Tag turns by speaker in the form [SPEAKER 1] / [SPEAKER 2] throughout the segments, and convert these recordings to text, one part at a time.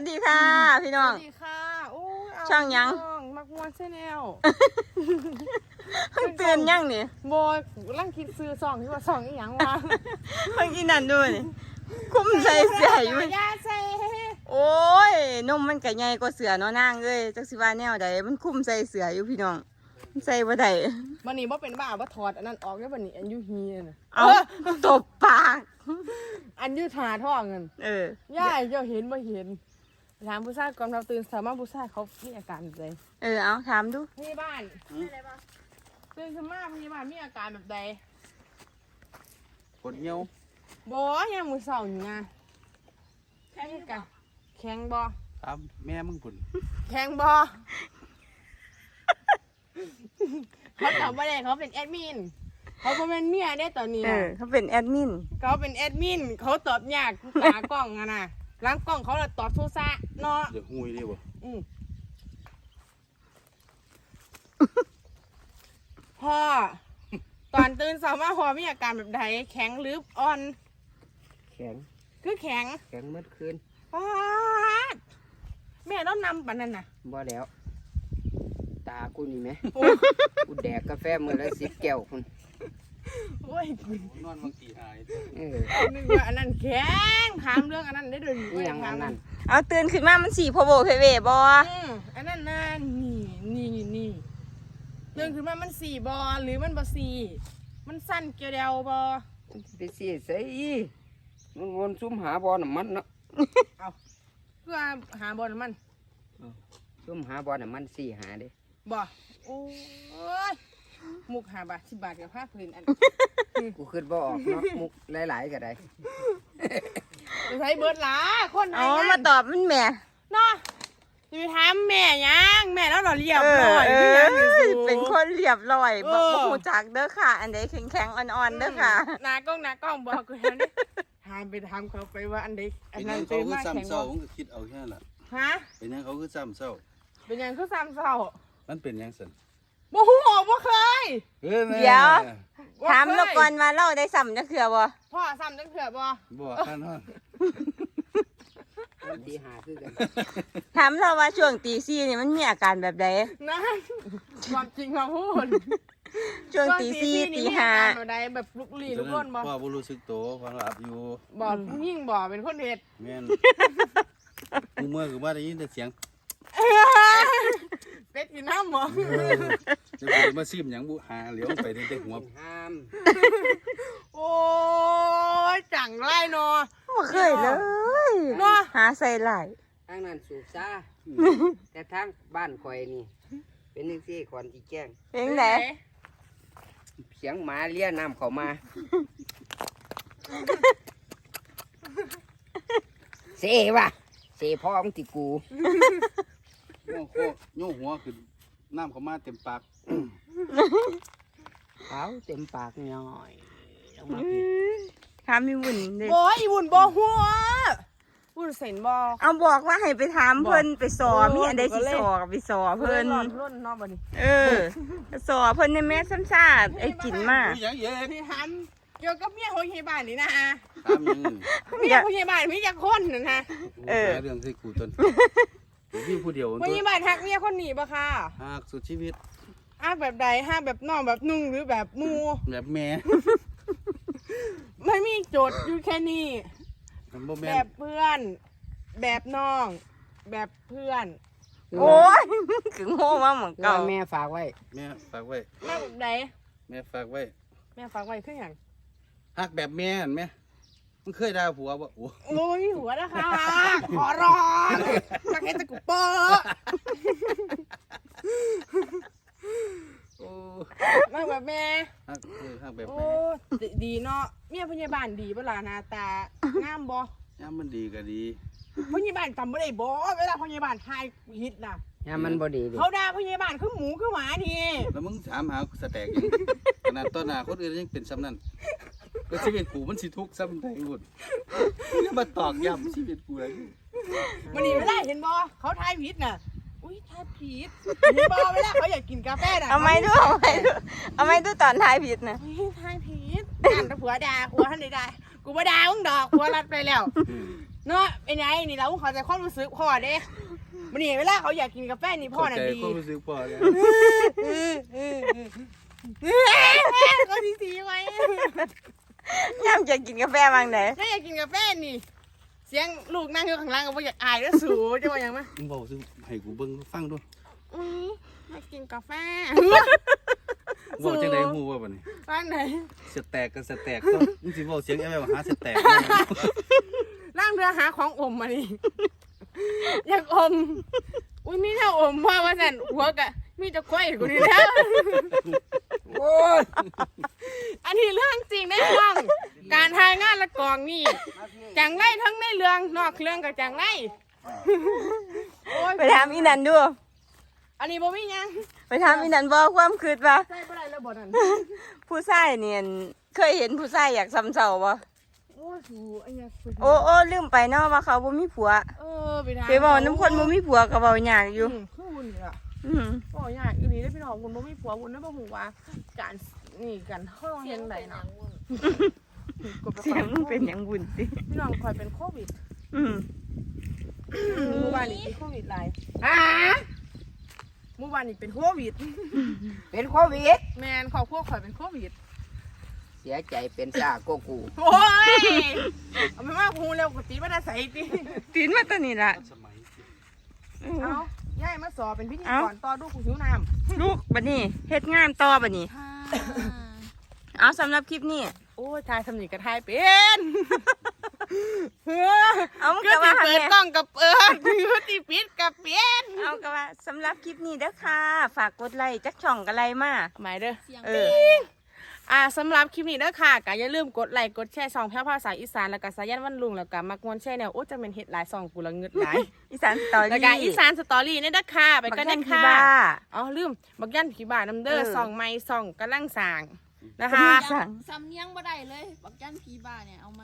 [SPEAKER 1] วัสดีค่ะพี่น้อง
[SPEAKER 2] สวัสดีค่ะโอ้ย
[SPEAKER 1] ช่างยัง
[SPEAKER 2] มักมวนใช่แนว
[SPEAKER 1] เพิ่งตื่นยังนี่
[SPEAKER 2] บอยร่างคิดซื้อซองที่ว่าซองอีหยังวะ
[SPEAKER 1] เพิ่งกินนั่นด้วยนี่คุ้มใส่เสื้ออยู่
[SPEAKER 2] ยาใส่
[SPEAKER 1] โอ้ยนมมันก็ใหญ่กว่าเสือเนาะนางเอ้ยจักสิว่าแนวใดมันคุ้มใส่เสืออยู่พี่น้องมันใส่บ่ได้
[SPEAKER 2] วันนี้บ่เป็นบ้าบ่ถอดอันนั้นออกได้วันนี้อันยูฮีน่ะ
[SPEAKER 1] เอาตบปาก
[SPEAKER 2] อันยูทาท่อเงิน ย่าเจ้าเห็นบ่เห็นถามผู้ชายก่อนเราตื่นสามารถผู้ชายเขามีอาการแบบใด
[SPEAKER 1] เอาถามดู
[SPEAKER 2] พยาบาลตื่นขึ้นมาพยาบาลมีอาการแบบใด
[SPEAKER 3] ปวดเหี่ยว
[SPEAKER 2] บ่ยังมือเศร้าอยู่นะแข็งกะแข็งบ่
[SPEAKER 3] ตามแม่มึงพุ่น
[SPEAKER 2] แข็งบ่ เขาตอบว่าอะไรเขาเป็นแอดมินเขาเป็นเมียได้ตอนนี้นะ
[SPEAKER 1] เขาเป็นแอดมิน
[SPEAKER 2] เขาเป็นแอดมินเขาตอบยากตากล้องอะนะหล้างกล้องเขาเลยตอบโซซะเนาะ
[SPEAKER 3] เดี๋ยวหุยเลยบ่
[SPEAKER 2] พ่อตอนตื่นสามารถพ่อมีอาการแบบใดแข็งหรืออ่อน
[SPEAKER 4] แข็ง
[SPEAKER 2] คือแข็ง
[SPEAKER 4] แข็งเมื่อคืน
[SPEAKER 2] ป๊าดแม่ต้องนำปันนั่นน่ะ
[SPEAKER 4] บ่แล้ว ตากูนี่ไหม
[SPEAKER 2] โอ้
[SPEAKER 4] กูแดกกาแฟมื้อละ10 แก้วคุณ
[SPEAKER 2] โอ้ย
[SPEAKER 3] นอนบางทีหาย
[SPEAKER 2] นึกว่าอันนั้นแข็งถามเรื่องอันนั้นได้ด้วย
[SPEAKER 4] นี่อย่างนั้นนั่น
[SPEAKER 1] เอาตื่นขึ้นมามันสีโพโบเพเวบ่
[SPEAKER 2] อันนั้นน่ะนี่เรื่องคือมันสี่บอหรือมันบอสี่มันสั้นเกี่ยวเดียวบอ
[SPEAKER 4] ไปสิใส่มันวนซุ่มหาบ่อน้ำมันเนาะ
[SPEAKER 2] เอาเพื่อหาบอลมัน
[SPEAKER 4] ซุ่มหาบ่อน้ำมันสิหาเด้
[SPEAKER 2] บอโอ้ยมุก5 บาท10 บาทกับผ้าพื้นอัน
[SPEAKER 4] กูคิดบ่ออกเนาะมุกหลายๆก็ได้
[SPEAKER 2] ไปใช้เบิร์ดหลาคน
[SPEAKER 1] เอามาตอบมันแหม่
[SPEAKER 2] เนาะอยู่ถามแม่ยังแม่แล้วเราเรียบร้อยคือยังอยู่สูง
[SPEAKER 1] เป็นคนเรียบร้อยบ่
[SPEAKER 2] เออ
[SPEAKER 1] ฮู้จักเด้อค่ะ อันใดแข็งๆอ่อนๆเด้อค่ะ
[SPEAKER 2] หน้ากล้องบอกกูแทนนี่ถามไปถามเขาไปว่าอันใดอั
[SPEAKER 3] เป็น น
[SPEAKER 2] นั้
[SPEAKER 3] ยั
[SPEAKER 2] น
[SPEAKER 3] งเขา
[SPEAKER 2] ตื่น
[SPEAKER 3] คือ
[SPEAKER 2] มาแข็ง
[SPEAKER 3] ซ้ำเศร้า
[SPEAKER 2] บ่
[SPEAKER 3] ผมก็คิดเอาแค่นั้นล่ะ
[SPEAKER 2] ฮะ
[SPEAKER 3] เป็นยังเขาคือซ้ำเศร้า
[SPEAKER 2] เป็นยังคือซ้ำเศร้า
[SPEAKER 3] มันเป็นยังสัน
[SPEAKER 2] บ่ฮู้บ่เคย
[SPEAKER 1] เดี๋ยว ถามแล้วก่อนว่าเราได้ซ้ำจักเทื่อบ่
[SPEAKER 2] พ่อซ้ำจังเถื่อบ่
[SPEAKER 3] บ่ข้างนอน
[SPEAKER 4] ตีหาคือกัน
[SPEAKER 1] ถามเราว่าช่วงตีสี่นี่มันมีอาการแบบใด
[SPEAKER 2] นะความจริงความพูด
[SPEAKER 1] ช่วงตีสี่ตีห้า
[SPEAKER 2] แบบใดแบบลุกลี้ลุกล่นบ่
[SPEAKER 3] พ่อบ่รู้สึกโตฟังหลับอยู่
[SPEAKER 2] บ่ยิ่งบ่เป็นคนเฮ็ด
[SPEAKER 3] แม่นกูเมื่อคือว่าได้ยินแต่เสียง
[SPEAKER 2] เป็ดกินน้ำบ่
[SPEAKER 3] จะไปมาซิมหยังบุหาเหลียวไปแต่หัว
[SPEAKER 4] ห้าม
[SPEAKER 2] โอ้ยจังไรเนาะ
[SPEAKER 1] บ่เคยเลย
[SPEAKER 2] เนาะ
[SPEAKER 1] หาใส่หลาย
[SPEAKER 4] ทางนั้นสูบซ่าแต่ทางบ้านข่อยนี่ เป็นจังซี่ก่อนสิแจ้ง
[SPEAKER 1] เป็นไง
[SPEAKER 4] เสียงหมาเลียน้ำเข้ามาเสว่ะเสพ่อมึงติกู
[SPEAKER 3] โง่โคโง่หัวขึ้นน้ำเข้ามาเต็มปาก
[SPEAKER 4] เขาเต็มปากย่อยลงมาพี่
[SPEAKER 1] ถามมีวุ่นเด้
[SPEAKER 2] บ่อีบุญบ่หัวบุญเส้นบ่
[SPEAKER 1] เอาบอกว่าให้ไปถามเพิ่นไปสอมีอันใดสิสอกับไปสอเพิ่น
[SPEAKER 2] ร้อนร้อนเนาะบัดนี้
[SPEAKER 1] สอเพิ่นในแม่ซ้ำซาดไอ้กินมาก
[SPEAKER 3] หยังเยอะ
[SPEAKER 2] พี่ถามเกี่ยวกับเมียของพยาบาลนี่นะ
[SPEAKER 3] ตามหยังนี่
[SPEAKER 2] เมียพยาบาลมีจักคนนั่นฮะ
[SPEAKER 1] เออ
[SPEAKER 3] หาเรื่องให้กูตนพี่ผู้เดียว
[SPEAKER 2] พ
[SPEAKER 3] ตัวย
[SPEAKER 2] าบาลฮักเมียคนนี้บ่ค่ะ
[SPEAKER 3] หากสุดชีวิต
[SPEAKER 2] ฮักแบบใดฮักแบบน้องแบบนุ่งหรือแบบมู
[SPEAKER 3] แบบแม่
[SPEAKER 2] ไม่มีโจทย์อยู่แค่นี้
[SPEAKER 3] มันบ่
[SPEAKER 2] แบ
[SPEAKER 3] แม่น
[SPEAKER 2] บเพื่อน แบบน้อง แบบเพื่อน
[SPEAKER 1] โอ้ยคือโง่มาเหมือน
[SPEAKER 4] ก็
[SPEAKER 1] เก่า
[SPEAKER 4] แม่ฝากไว้
[SPEAKER 3] แม่ฝากไว้
[SPEAKER 2] แม่แบบใด
[SPEAKER 3] แม่ฝากไว้
[SPEAKER 2] แม่ฝากไว้คืออย่าง
[SPEAKER 3] หักแบบแม่เห็นไหมมันเคยด่าผัวบ่โอ้
[SPEAKER 2] โอ้ยหัวนะคะขอร้องนักเห็นตะกุเปอร์
[SPEAKER 3] โอ้
[SPEAKER 2] แม่แบบแม่
[SPEAKER 3] หักแบบ
[SPEAKER 2] โอ้
[SPEAKER 3] แม่
[SPEAKER 2] ดีเนาะเมียพยาบาลดีเวลาหน้าตางามบ่
[SPEAKER 3] ย่ามมันดีก็ดี
[SPEAKER 2] พยาบาลจำไม่ได้บ่เวลาพยาบาลทายฮิตน่ะ
[SPEAKER 4] ยามมันบ่ดีดิ
[SPEAKER 2] เขาด่าพยาบาลคือหมูคือหมาดี
[SPEAKER 3] แล้วมึงถามหาสแต็กยังขนาดต้นหน้าคนอื่นยังเป็นซ้ำนั่นก็ชีวิตกูมันสิทุกข์ซ้ำไทยหมดยังมาตอกย้ำชีวิตกูเลย
[SPEAKER 2] มันนี่ไม่ได้เห็นบ่เขาทายผิดน่ะอุ้ยทายผิดเห็นบ่เวลาเขาอยากกินกาแฟน่ะ
[SPEAKER 1] เอาไม้ดูเอาไม้ดูตอนทายผิดนะ
[SPEAKER 2] อุ้ยทายผิดการตะผัวด่าผัวท่านใดด่ากูบ่ด่ามึงดอกผัวรัดไปแล้วเนาะไอ้ไงนี่เราเขาใจความรู้สึกพ่อเด้มันนี่เวลาเขาอยากกินกาแฟนี่พ่อน่ะดี
[SPEAKER 3] เข้าใจความรู้สึกพ่อแล้ว
[SPEAKER 2] ก็ทีไว้
[SPEAKER 1] ย่ำจะกินกาแฟบางไหน
[SPEAKER 2] ถ้าอยากกินกาแฟนี่ เสียงลูกนั่งอยู่ข้างล่างก็บ่อยากอายแล้วสูจะว่าอย่างมั้ย
[SPEAKER 3] มึงบอกสิให้กูเบิ่งฟังด้วย
[SPEAKER 2] อยากกินกาแฟ
[SPEAKER 3] บอกจังได๋ฮู้ว่าบัดนี้
[SPEAKER 2] บ้านไหน
[SPEAKER 3] สแต็กก็สแต็กก็มึงสิเว้าเสียงแอบหาสแต็ก
[SPEAKER 2] ร่างเรือหาของอมมาดิอยากอมอุ้ยมีแนวอมพ่อว่าสั่นหัวกะมีจะควยกูนี่แล้ว
[SPEAKER 4] โอ้ย
[SPEAKER 2] อันนี้เรื่องจริงได้ฟังการทายงานละกองนี่จังไรทั้งในเรื่องนอกเรื่องกับจังไรโอ้ย
[SPEAKER 1] ไปถามอีนันดู
[SPEAKER 2] อันนี้บ่มีหยัง
[SPEAKER 1] ไปถามอีนันบอกความคืดว่า
[SPEAKER 2] ใส่บ่ได้แล้วบ่นั่น
[SPEAKER 1] ผู้ชายเนี่ยเคยเห็นผู้ชายอยากซ้ำเจ้าบ่
[SPEAKER 2] โอ้ยสูอันนี้
[SPEAKER 1] โอ้ลืมไปเนาะว่าเขาบ่มีผัว
[SPEAKER 2] ไปทาง
[SPEAKER 1] ไปบอกน้ำคนบ่มีผัวก็เว้ายากอยู่
[SPEAKER 2] คือวุ่นนี่ล่ะ
[SPEAKER 1] อืม
[SPEAKER 2] บ่ยากอีหลีได้พี่น้องคุณบ่มีผัวคุณได้บ่ฮู้ว่าการนี่กันเฮาเฮ็ดได้เนาะ
[SPEAKER 1] เสียงมึงเป็นหยังบุญสิ
[SPEAKER 2] พี่น้องคอยเป็นโควิด
[SPEAKER 1] อืม
[SPEAKER 2] เมื่อวานนี้เป็นโควิดหลายเมื่อวานนี้เป็นโควิด
[SPEAKER 4] เป็นโควิด
[SPEAKER 2] แมนครอบครัวข่อยเป็นโควิด
[SPEAKER 4] เสียใจเป็นซาโกกู
[SPEAKER 2] โอ้ยเอาไม่มากพูเร็วกว่าตีมาได้ใส่ตี
[SPEAKER 1] ตีนมาตัวนี้ล่ะ
[SPEAKER 3] สมัย
[SPEAKER 2] เอาย่ายมาสอบเป็นพิธี
[SPEAKER 1] เอ้า
[SPEAKER 2] กรต่อดูกูหิวน้
[SPEAKER 1] ลูกบัดนี้เฮ็ดงานต่อบัดนี้
[SPEAKER 2] ำ
[SPEAKER 1] เอาสำหรับคลิปนี้
[SPEAKER 2] โอ้ยทายสำนีกระทายเป็นเฮ้อ
[SPEAKER 1] เอามึง
[SPEAKER 2] ก็
[SPEAKER 1] ก็
[SPEAKER 2] ตี
[SPEAKER 1] ว่า
[SPEAKER 2] เปิดกล้องกับเปิดก็ตีปิดกับเปลี่ยน
[SPEAKER 1] เอาก็ว่าสำหรับคลิปนี้เด้อค่ะ ฝากกดไลค์จักช่องกันไลค์มา
[SPEAKER 2] หมายเด้อ
[SPEAKER 1] เออ
[SPEAKER 2] สำหรับคลิปนี้เด้อค่ะก็อย่าลืมกดไลค์กดแชร์2แพร่ภาษาอีสานแล้วก็สายันวันลุงแล้วก็มักมวนแชร์แนวโอ้จะเป็นเฮ็ดหลาย2กูละเงึดหลาย
[SPEAKER 1] อีสานสตอรี่
[SPEAKER 2] แล้วก็อีสานสตอรี่เนี่ยเด้อค่ะไปกัน
[SPEAKER 1] บั
[SPEAKER 2] เด้
[SPEAKER 1] ก
[SPEAKER 2] อ
[SPEAKER 1] ยัน
[SPEAKER 2] ค่ะ
[SPEAKER 1] บ้า
[SPEAKER 2] อ๋อลืมบักยันผีบาน้ำเด้อ
[SPEAKER 1] เออ
[SPEAKER 2] ส่องไม้ส่องกำลังสร้างนะคะ
[SPEAKER 1] สั่ง
[SPEAKER 5] สำเนียงบ่ได้เลยบักยันผีบ้าเนี่ยเอาไหม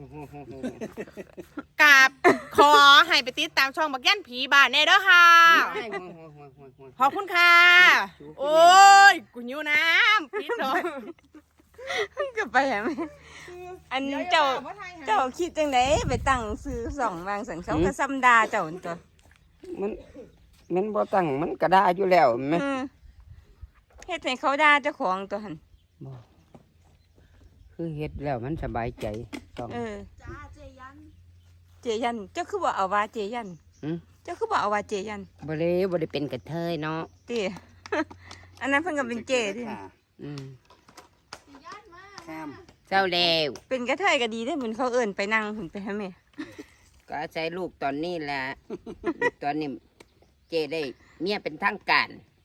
[SPEAKER 2] กับขอให้ไปติดตามช่องบักยันผีบาแน่เด้อค่ะ ขอบคุณค่ะ โอ้ยกูหิวน้ำปิดเนาะ
[SPEAKER 1] ก็ไปหาแม่อันเจ้าคิดจังไดไปตั้งซื้อสองวางสังเขาก็ซ้ำดาเจ้าตัว
[SPEAKER 4] มันบ่ตั้งมันก็ได้อยู่แล้วแม่
[SPEAKER 1] อืมเฮ็ดให้เขาด่าเจ้าของตัวหัน
[SPEAKER 4] บ่คือเฮ็ดแล้วมันสบายใจต้อง
[SPEAKER 1] เออ
[SPEAKER 5] จ้าเจยัน
[SPEAKER 1] เจยันเจ้าคือบ่เอาว่าเจยัน
[SPEAKER 4] หืม
[SPEAKER 1] เจ้าคือบ่เอาว่าเจยัน
[SPEAKER 4] บ่ได้เป็นกระเทยเนาะ
[SPEAKER 1] ติ อันนั้นเพิ่นก็เป็นเจดิ
[SPEAKER 4] อืม
[SPEAKER 5] เจยันมา
[SPEAKER 3] ข้าม
[SPEAKER 4] เจ้าแล้ว
[SPEAKER 1] เป็นกระเทยก็ดีได้เหมือนเขาเอิ้นไปนั่งหุ่นไปหาแม่
[SPEAKER 4] ก็อาศัยลูกตอนนี้แหละ ตอนนี้เจได้เมียเป็นทางการ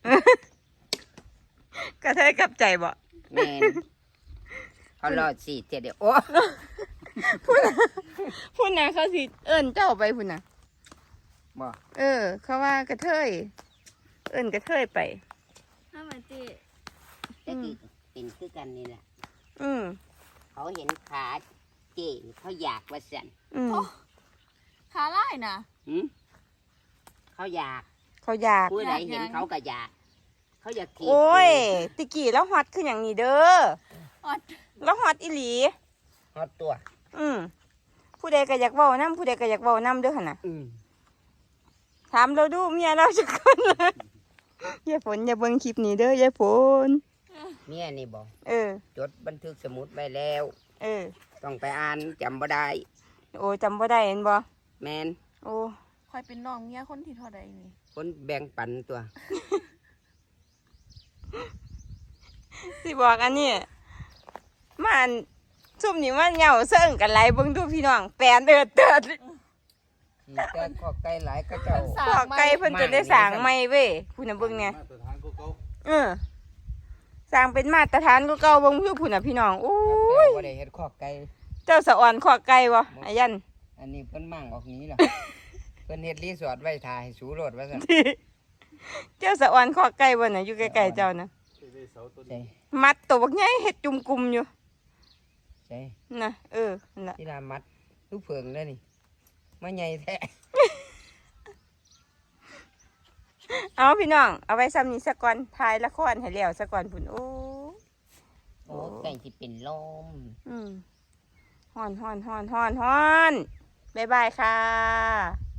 [SPEAKER 1] กระเทยกลับใจบ่
[SPEAKER 4] แม่นเขารอดสิเจเดียวโอ้
[SPEAKER 1] พุ่นน่ะเขาสิเอิ้นเจ้าไปพุ่นน่ะ
[SPEAKER 4] บ่
[SPEAKER 1] เออ เขาว่ากระเทยเอิ้นกระเทยไป
[SPEAKER 5] ถ้ามาเจ
[SPEAKER 4] แต่กี้เป็นคือกันนี่แหละ
[SPEAKER 1] อืม
[SPEAKER 4] เขาเห็นขาเจเขาอยากว่าสัน
[SPEAKER 1] อืม
[SPEAKER 5] ขาไล่นะ
[SPEAKER 4] หืมเขาอยาก
[SPEAKER 1] เขาอยาก
[SPEAKER 4] ผู้ใดเห็นเขาก็อยาก เขาอยากถีบ
[SPEAKER 1] โอ้ยตะกี้แล้วฮอตคืออย่างนี้เด้อ
[SPEAKER 5] ออด
[SPEAKER 1] แล้วฮอตอีหลี
[SPEAKER 4] ฮอดตัว
[SPEAKER 1] อืมผู้ใดก็อยากเว้านํผู้ใดก็อยากเว้านํเด้อหั่นน่ะ
[SPEAKER 4] อืม
[SPEAKER 1] ถามเราดูเมียเราจักคนเลยยายฝนอย่าเบิ่งคลิปนี้เด้อยายฝน
[SPEAKER 4] เมียนี่บอก
[SPEAKER 1] เออ
[SPEAKER 4] จดบันทึกสมุดไว้แล้ว
[SPEAKER 1] เออ
[SPEAKER 4] ต้องไปอ่านจำบ่ได้
[SPEAKER 1] โอ้จำบ่ได้เห็นบ่
[SPEAKER 4] แมน
[SPEAKER 1] โอ้
[SPEAKER 5] คอยเป็นน้องเมียคนที่เท่าใดนี่
[SPEAKER 4] คนแบ่งปันตัว
[SPEAKER 1] สิบอกอันนี้มันซุ่มนี่มันเหงาเซิ่งกันไหลเบิ่งดูพี่น้องแปลนเดือดเดือด
[SPEAKER 4] ขี่แต่ข้อไก่หลายก็เจ้า
[SPEAKER 1] ขอไก่เพิ่นจะได้สร้างใหม่เว้ยผู้น่ะเบิ่งเนี่ย
[SPEAKER 3] มาตรฐานเขา
[SPEAKER 1] เออสร้างเป็นมาตรฐานก็เก่าเบิ่งผู้ผู้น่ะพี่น้องโอ้ย
[SPEAKER 4] บ่ได้เฮ็ดข้อไก่
[SPEAKER 1] เจ้าสะอ่อนขอไก่บ่อายัน
[SPEAKER 4] อันนี้เพิ่นมั่งออกนี้ล่ะ เพิ่นเฮ็ดรีสอร์ทไว้ถ่ายสูโรดว่าซั่น
[SPEAKER 1] เจ้าสะอ่อนขอไก่บ่น่ะอยู่ใกล้ๆเจ้าน่ะ
[SPEAKER 3] ได้เสาต้น
[SPEAKER 4] ใช่
[SPEAKER 1] มัดตัวบักใหญ่เฮ็ดจุ่มกุมอยู่
[SPEAKER 4] ใช่
[SPEAKER 1] น่ะเออนั่นล่ะ
[SPEAKER 4] ที่ลามัดลูกเพิงแล้วนี่มาใหญ่แท้
[SPEAKER 1] เอาพี่น้องเอาไว้ซ้ำนี้ซะก่อนถ่ายละครให้แล้วซะก่อนพุ่นโอ้
[SPEAKER 4] โอ้ไก่สิเป็นลม
[SPEAKER 1] อืมฮ้อนฮ้อนฮ้อนฮ้อนฮ้อนบ๊ายบายค่ะ